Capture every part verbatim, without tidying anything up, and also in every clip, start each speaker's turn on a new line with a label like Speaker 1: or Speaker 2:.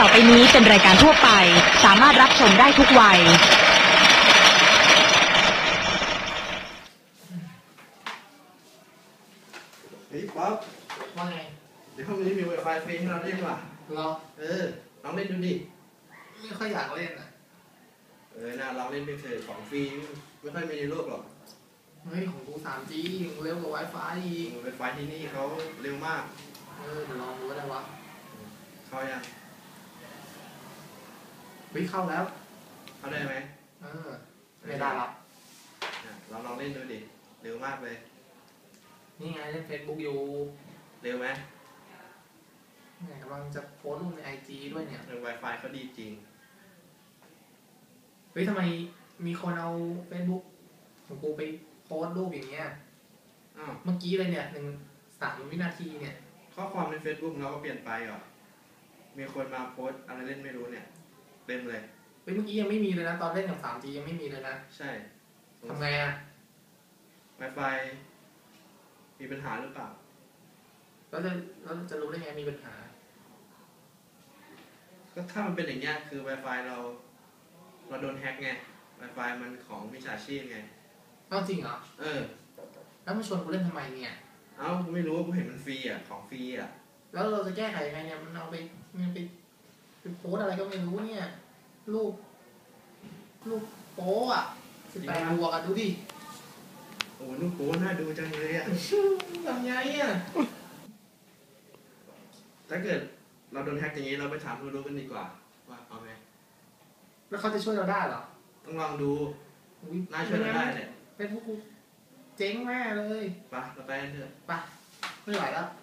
Speaker 1: ต่อไปนี้เป็นรายการทั่วไปสามารถรับชมได้ทุกวัย
Speaker 2: เฮ้ยป๊อป
Speaker 3: ว่าไง
Speaker 2: เดี๋ยวห้องนี้มี Wi-Fi ฟรีให้เราเล่นว่ะ
Speaker 3: เหรอ
Speaker 2: เออลองเล่นดูดิ
Speaker 3: ไม่ค่อยอยากเล่นอ่ะ
Speaker 2: เออน่าลองเล่นไปเถอะของฟรีไม่ค่อยมีในโลกหรอก
Speaker 3: เฮ้ยของกู ทรี จี เร็วกว่า Wi-Fi อีก
Speaker 2: Wi-Fi ที่นี่เขาเร็วมาก
Speaker 3: เออเดี๋ยวลองดูว่าได้วะ
Speaker 2: เข้ายัง
Speaker 3: เฮ้ยเข้าแล้ว
Speaker 2: เข้าได้ไหม
Speaker 3: เออไม่ได้ละ
Speaker 2: เราลองเล่นดูดิเร็วมากเลย
Speaker 3: นี่ไงเล่น Facebook อยู่
Speaker 2: เร็วไหม
Speaker 3: เนี่ยกำลังจะโพสต์ลงใน ไอ จี ด้วยเนี่ย
Speaker 2: Wi-Fi เขาดีจริง
Speaker 3: เฮ้ยทำไมมีคนเอา Facebook ของกูไปโพสต์รูปอย่างเงี้ย
Speaker 2: อ้าว
Speaker 3: เมื่อกี้เลยเนี่ยหนึ่งสามวินาทีเนี่ย
Speaker 2: ข้อความใน Facebook เราก็เปลี่ยนไปเหรอมีคนมาโพสต์อะไรเล่นไม่รู้เนี่ยเต็มเลย
Speaker 3: เฮ้ยเมื่อกี้ยังไม่มีเลยนะตอนเล่นกับ ทรี จี ยังไม่มีเลยนะ
Speaker 2: ใช่
Speaker 3: ทำไงอ่ะ
Speaker 2: Wi-Fi มีปัญหาหรือเปล่า
Speaker 3: แล้วจะแล้วจะรู้ได้ไงมีปัญหา
Speaker 2: ก็ถ้ามันเป็นอย่างเงี้ยคือ Wi-Fi เราเราโดนแฮ็กไง Wi-Fi มันของมิจฉาชีพไง
Speaker 3: อ้าวจริงเหรอ
Speaker 2: เออ
Speaker 3: แล้วมาชวนกูเล่นทำไมเนี่ย
Speaker 2: เอ้ากูไม่รู้กูเห็นมันฟรีอ่ะของฟรีอ่ะ
Speaker 3: แล้วเราจะแก้ไขยังไงเนี่ยมันเอาไปมันไปไปโพสอะไรก็ไม่รู้เนี่ยรูปรูปโป๊อ่ะสิบแปดบวกอ่ะดูดิ
Speaker 2: โอ้รูปโป๊น่าดูจังเลยอ่ะ
Speaker 3: ทำไงอ่ะ
Speaker 2: ถ้าเกิดเราโดนแฮ็กอย่างนี้เราไปถามผู้รู้กันดีกว่าว่าเอาไง
Speaker 3: แล้วเขาจะช่วยเราได้เหรอ
Speaker 2: ต้องลองดูน่าช่วยเราได้เนี่ย
Speaker 3: เป็นพวกกูเจ๊งแม่เลย
Speaker 2: ไปเราไปกันเถอะ
Speaker 3: ไปไม่ไหวแล้ว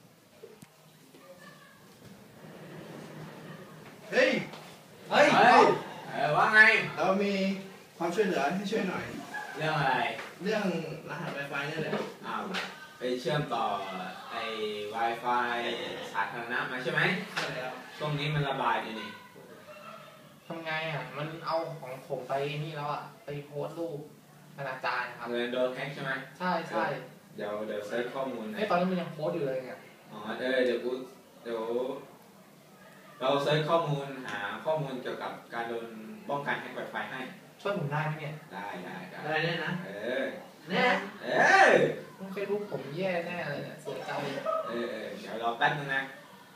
Speaker 2: เฮ้ย
Speaker 4: เฮ้ยเออว่าไง
Speaker 2: เรามีความช่วยเหลือให้ช่วยหน่อย
Speaker 4: เรื่องอะไร
Speaker 2: เรื่องรหัส Wi-Fi นี่แหละ
Speaker 4: อ้าวไปเชื่อมต่อไอ้ Wi-Fi สาธารณะมาใช่ไหม
Speaker 2: ใช่แล้ว
Speaker 4: ช่วงนี้มันระบาดอยู่นี่
Speaker 3: ทำไงอ่ะมันเอาของผมไปนี่แล้วอ่ะไปโพสต์รูปอนาจารครับ
Speaker 4: เงินโดนแฮ็กใช่ไหม
Speaker 3: ใช่ใช่
Speaker 4: เดี๋ยวเดี๋ยวเซิร์ชข้อมูล
Speaker 3: ไอ้ตอนนี้มันยังโพสต์อยู่เลยเนี่ย
Speaker 4: อ๋อเออเดี๋ยวกูเดี๋ยวเราเซิร์ชข้อมูลหาข้อมูลเกี่ยวกับการโดนป้องกันแฮ็ก Wi-Fi ให้
Speaker 3: ช่วยผมได้ไหมเนี่ย
Speaker 4: ได้ได้
Speaker 2: ได้ได้นะ
Speaker 4: เออ
Speaker 3: แน่
Speaker 4: เออ
Speaker 3: ต้องเคยรู้ผมแย่แน่เลยเนี่ยเสียใจ
Speaker 4: เออเออเดี๋ยวรอแป๊บนึงนะ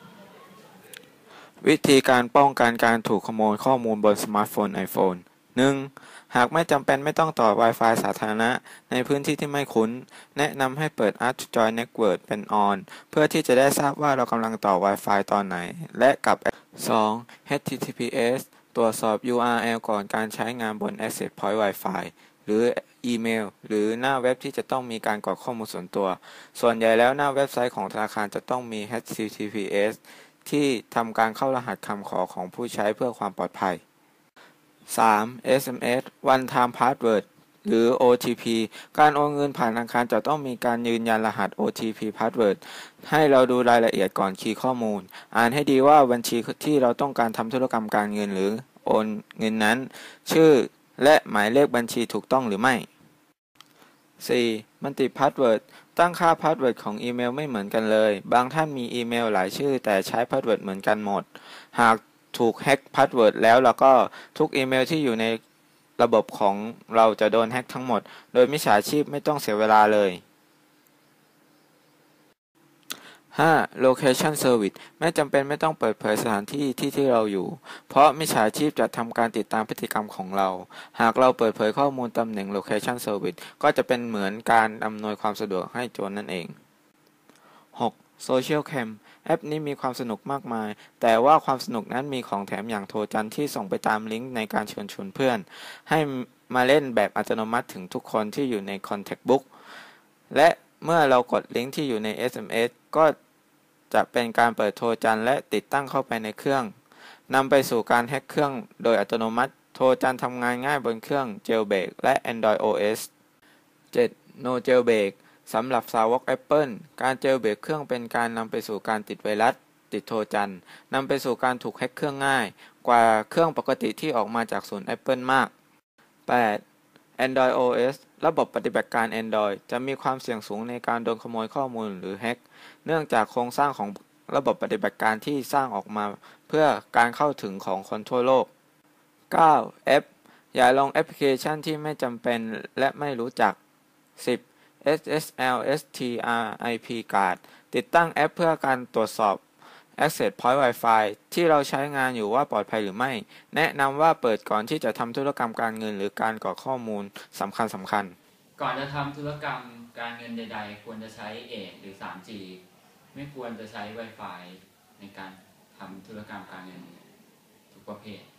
Speaker 5: วิธีการป้องกันการถูกขโมยข้อมูลบนสมาร์ทโฟน iPhone หนึ่ง หากไม่จำเป็นไม่ต้องต่อ Wi-Fi สาธารณะในพื้นที่ที่ไม่คุ้นแนะนำให้เปิด Add to Join Network เป็น On เพื่อที่จะได้ทราบว่าเรากำลังต่อ Wi-Fi ตอนไหนและกับ สอง เอช ที ที พี เอส ตรวจสอบ ยู อาร์ แอล ก่อนการใช้งานบน Access Point Wi-Fi หรืออีเมลหรือหน้าเว็บที่จะต้องมีการกรอกข้อมูลส่วนตัวส่วนใหญ่แล้วหน้าเว็บไซต์ของธนาคารจะต้องมี เอช ที ที พี เอส ที่ทำการเข้ารหัสคำขอของผู้ใช้เพื่อความปลอดภัย สาม เอส เอ็ม เอส One Time Password หรือ โอ ที พี การโอนเงินผ่านธนาคารจะต้องมีการยืนยันรหัส โอ ที พี Password ให้เราดูรายละเอียดก่อนคีย์ข้อมูลอ่านให้ดีว่าบัญชีที่เราต้องการทำธุรกรรมการเงินหรือโอนเงินนั้นชื่อและหมายเลขบัญชีถูกต้องหรือไม่ สี่ Multi Password ตั้งค่าพาสเวิร์ดของอีเมลไม่เหมือนกันเลยบางท่านมีอีเมลหลายชื่อแต่ใช้พาสเวิร์ดเหมือนกันหมดหากถูกแฮ็กพาสเวิร์ดแล้วแล้วก็ทุกอีเมลที่อยู่ในระบบของเราจะโดนแฮ็กทั้งหมดโดยมิจฉาชีพไม่ต้องเสียเวลาเลย ห้า Location Service ไม่จำเป็นไม่ต้องเปิดเผยสถานที่ที่ที่เราอยู่เพราะมิจฉาชีพจะทำการติดตามพฤติกรรมของเราหากเราเปิดเผยข้อมูลตำแหน่ง Location Service ก็จะเป็นเหมือนการอำนวยความสะดวกให้โจรนั่นเอง หก Social Cam แอปนี้มีความสนุกมากมายแต่ว่าความสนุกนั้นมีของแถมอย่างโทรจันทร์ที่ส่งไปตามลิงก์ในการเชิญชวนเพื่อนให้มาเล่นแบบอัตโนมัติถึงทุกคนที่อยู่ใน Contact Book และเมื่อเรากดลิงก์ที่อยู่ใน เอส เอ็ม เอส ก็จะเป็นการเปิดโทรจันทร์และติดตั้งเข้าไปในเครื่องนำไปสู่การแฮ็กเครื่องโดยอัตโนมัติโทรจันทร์ทำงานง่ายบนเครื่อง Jailbreak และ Android โอ เอส เจ็ด No Jailbreak สำหรับสาวก Apple การ Jailbreak เครื่องเป็นการนำไปสู่การติดไวรัสติดโทรจันทร์นำไปสู่การถูกแฮ็กเครื่องง่ายกว่าเครื่องปกติที่ออกมาจากศูนย์ Apple มาก แปด Android โอ เอส ระบบปฏิบัติการ Android จะมีความเสี่ยงสูงในการโดนขโมยข้อมูลหรือแฮ็กเนื่องจากโครงสร้างของระบบปฏิบัติการที่สร้างออกมาเพื่อการเข้าถึงของคนทั่วโลก เก้า F อย่าลงแอปพลิเคชันที่ไม่จำเป็นและไม่รู้จัก สิบ เอส เอส แอล เอส ที อาร์ ไอ พี Card ติดตั้งแอปเพื่อการตรวจสอบ Access Point Wi-Fi ที่เราใช้งานอยู่ว่าปลอดภัยหรือไม่ แนะนำว่าเปิดก่อนที่จะทำธุรกรรมการเงินหรือการกรอกข้อมูลสำคัญสำคัญ
Speaker 6: ก่อนจะทำธุรกรรมการเงินใดๆ ควรจะใช้ เอ หรือ ทรี จี ไม่ควรจะใช้ Wi-Fi ในการทำธุรกรรมการเงินทุกประเภท